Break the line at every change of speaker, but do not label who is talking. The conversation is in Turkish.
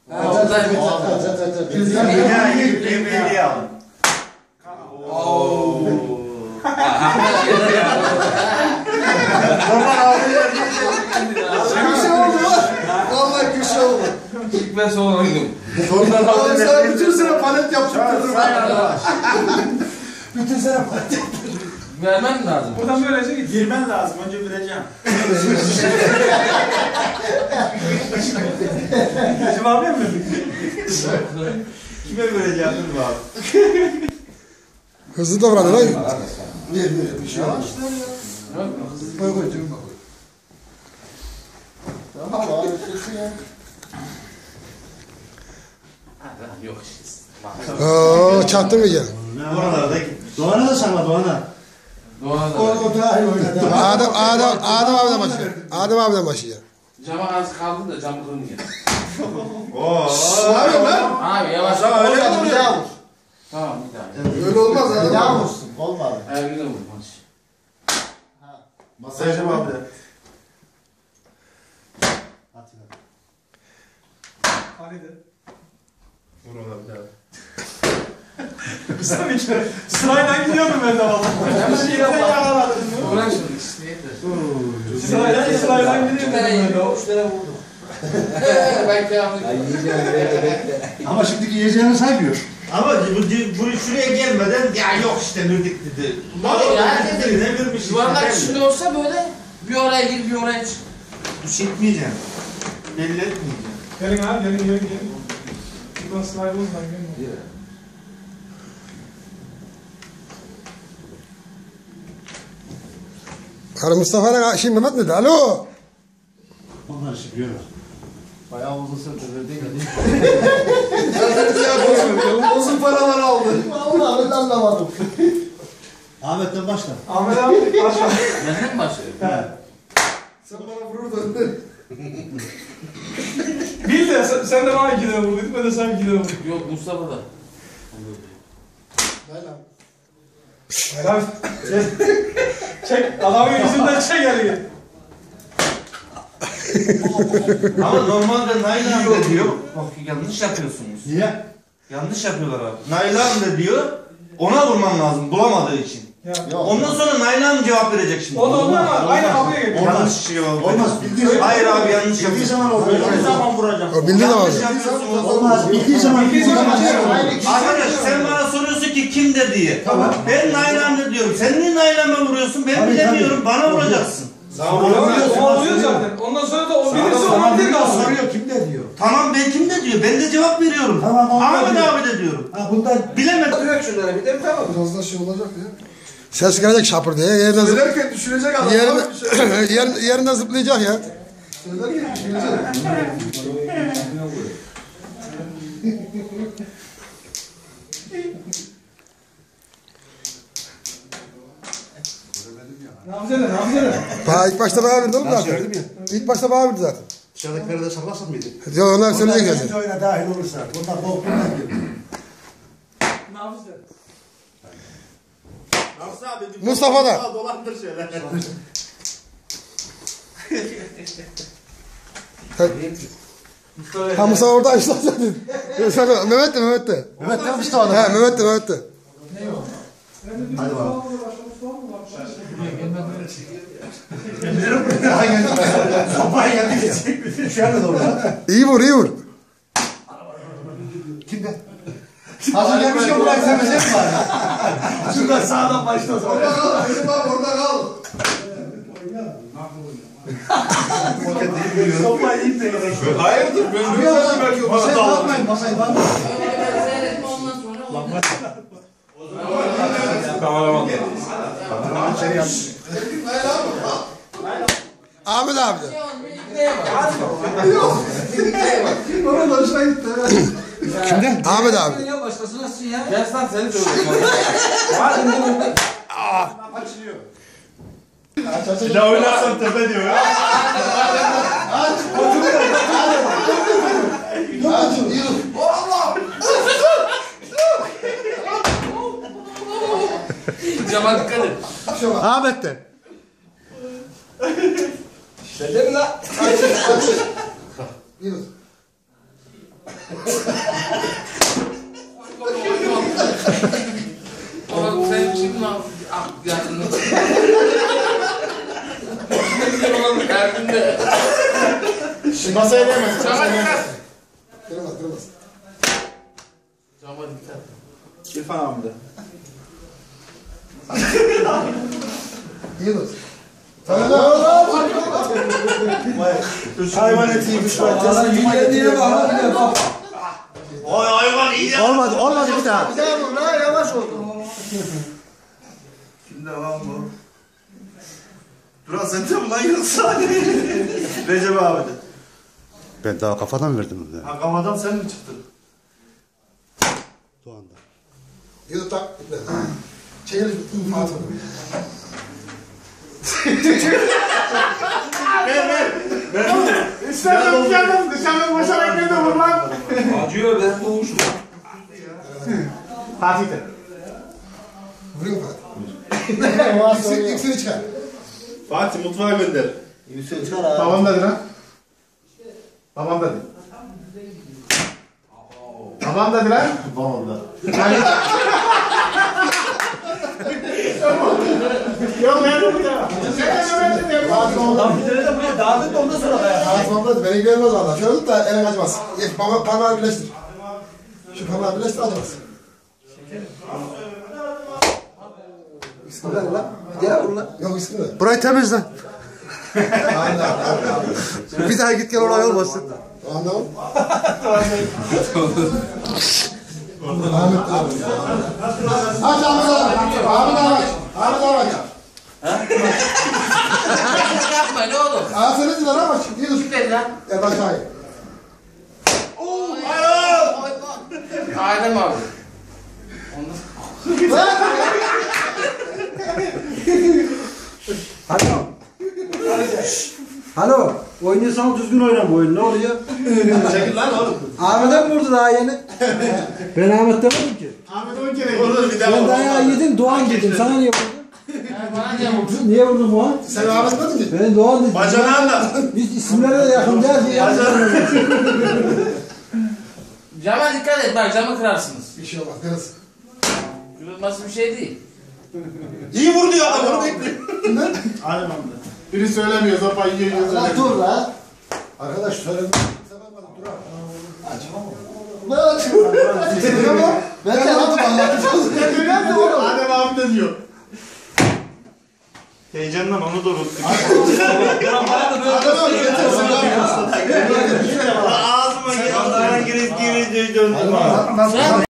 Yemeği alın.
Köşe oldu lan. Vallahi köşe oldu.
İlk ben sonra oynadım.
Oğlum sen bütün sene palet yaptırdın. Bütün sene palet yaptırdın.
Vermem lazım.
Buradan böylece git. Girmen lazım. Önce bileceğim. Cevabı mı? Kime vereceğim dur abi.
Hızlı davranın lan.
Ver. Bir şey var. Koy koy cebime koy. Tamam abi sesi ya.
Yok işte.
Oo, çaktın mı ya?
Oralarda gitmiş. Doğan'a da sana Doğan'a.
Doğada.
O dahil oynadı.
Adem abiden başlıyor. Adem abiden başlıyor.
Cama az kaldı da cam kırmıyor.
Ne yapıyorsun lan?
Abi yavaş.
Öyle mi oluyor?
Tamam bir daha.
Öyle olmaz adam.
Yağ vursun. Olmadı.
Ayakta vur maç.
Masaya cevap ver. Hadi. Vur ona bir daha. Sırayla gidiyorum ben de valla.
Ben bir şey yapmadım. Uğraş şunu işte.
Sırayla gidiyorum ben de.
Üç tane vurdum. Ben kıyafet.
Ama şimdiki yiyeceğini saymıyor.
Ama bu şuraya gelmeden ya yok işte nürdik dedi.
Herkes de
Ne vermiş?
yuvarlak şimdi olsa böyle bir oraya gir bir oraya çık.
Çekmeyeceğim. Belli etmeyeceğim.
Gelin abi gelin. Buradan slide olmadan gelin.
Karı Mustafa'yla şey Mehmet miydi? Alo.
Onlar işi biliyorlar. Bayağı uzun süredir değil mi?
Uzun paralar aldı.
Vallahi ben de anlamadım. Ahmet'ten başla.
Ahmet abi başla.
Benden mi başlıyor?
Sen bana vururdun.
Bil de sen de bana 2 lira vurduydun, ben de sana 2 lira vurdum.
Yok Mustafa da.
Helal. Çek, adamın yüzünden çek eli.
Ama normalde Naylan da diyor. Bak yanlış yapıyorsunuz.
Niye?
Yanlış yapıyorlar abi. Naylan da diyor. Ona vurman lazım bulamadığı için.
Yok.
Ondan sonra Naylan cevap verecek şimdi.
O da ondan var, aynı kapıya geliyor.
Yanlış cevap.
Olmaz. Bildiği
Hayır abi yanlış
Bildiği
yapıyorsun.
zaman olur.
Bildiği zaman vuracağım.
O bildi de
Yanlış
var.
yapıyorsun.
Olmaz. Bildiği zaman.
Arkadaş sen bana soruyorsun ki kim de diye.
Tamam.
Ben Naylan de diyorum. Sen niye Naylan'a vuruyorsun? Ben
Tabii,
bilemiyorum. Bana vuracaksın.
O oluyor zaten. Ondan sonra da o birisi ona bir kalsın.
Soruyor kim de diyor.
Tamam ben kim de diyor. Ben de cevap veriyorum.
Tamam, onu
Ahmet
diyor.
abi de diyorum.
Ha bundan
Bilemedim.
Direkt şunlara bir de tamam. Biraz da şey olacak ya.
Ses gelecek şapır diye.
Söylerken düşürecek adam.
Yerinden zıplayacak ya.
Söylerken düşürecek.
Ne yapacaksın?
İlk başta bana verdi oğlum zaten. İlk başta bana verdi zaten.
dışarıdakileri de saklasın mıydı?
Yok onlar söyleyecek
Onlar
zaten.
ikinci oyuna dahil olursa. Bunlar korkundan geliyor.
Ne yapacaksın?
Mustafa da.
Dolandır şöyle.
Ha Mustafa orada işte zaten. Mehmet de.
Mehmet de Mustafa da.
He Mehmet de.
Hadi bakalım. Sopaya geldik ya. Şu anda doğru.
İyi vur.
Kimde? Hazır gelmişken buraya sevecek mi var? Şuradan sağdan başla o zaman.
Orada kal. Benim bak orada kal.
Sopayı ip de gerek.
Hayırdır? Ben
Şuraya o zaman. Masayı dağıtmayın. Masayı dağıtmayın.
Seyretme ondan sonra.
Kameraman.
Ahmet abi de.
Orada hoşuna gitti.
Kimden? Ahmet abi.
Ya başkası nasıl ya? Gel lan seni söylüyorum.
Bir daha oynarsan tepe diyor.
Cama dikkat et.
Ahmet de.
Dedim la. Yürü.
Oğlum sen şimdi yakında. Oğlum derdinde.
Masaya değmez.
Cama dikkat.
Kırmaz kırmaz.
Cama dikkat.
İrfan abi de.
İyi dur.
Hayvan etiymiş lan.
Lan yüzde niye bak?
Oy hayvan iyi ya.
Olmadı bir daha.
Bir daha vur lan yavaş oldu.
Kimde lan bu? Duran sen de mi lan yoksa? Recep abi de.
Ben daha kafadan verdim bunu.
Ha kafadan sen mi çıktın?
Doğan'da.
İyi dur tak. Çekelim. At onu.
İstedim canım dışarıdan boşarak ne de vur lan.
Acıyor ben boğuştum.
Fatih de.
Vuruyor mu Fatih? Yükseli çıkar.
Fatih mutfağa gönder.
Yükseli çıkar abi.
Tamam dedi lan. Tamam dedi. Tamam dedi lan. Tamam da. Yok ben de burada.
Lan bir tane de buraya dağıtıp da ondan sonra dayan.
Ağzımda beni görmez valla. Şöyle tut da elin acımaz. Geç parmağı birleştir. Şu parmağı birleştir acımaz. İsmi ver lan.
Gel vur lan.
Yok ismi ver.
Burayı temizle.
Aynen.
Bir daha git gel olay olmasın.
Anladın mı? Ahmet abi. Aç Ahmet abi. Ahmet abi aç. Ahmet abi aç.
Yapma ne olur.
Aferin lan ama aç. İyi dur.
Gel lan.
Gel aşağıya.
Adem abi.
Alo. Alo. Oynuyorsan düzgün oyna bu oyunu. Ne oluyor?
Çekil lan oğlum.
Ahmet'e mi vurdu daha yeni? Ben Ahmet demedim ki.
Ahmet 10 kere vurdu bir daha.
Ben dayağı yedim Doğan dedim. Sana niye vurdun?
Bana niye vurdun?
Niye vurdun Doğan?
Sen Ahmet demedin mi?
Ben Doğan dedim.
Bacanağın da.
Biz isimlere de yakın değil diye.
Cama dikkat et bak camı kırarsınız.
Bir şey olmaz. Kırız.
Kırılması bir şey değil.
İyi vurdu ya adam onu bekliyor.
Kimden?
Aynen abi. Biri söylemiyor sopayı yiyor.
Lan dur la. Arkadaş söyledim. Dur abi. Aç. Ben de anlatacağım.
Adem abi de diyor. Heyecandan onu da unuttuk.
Adem abi getirsin abi.
Ağzıma giriş döndüm.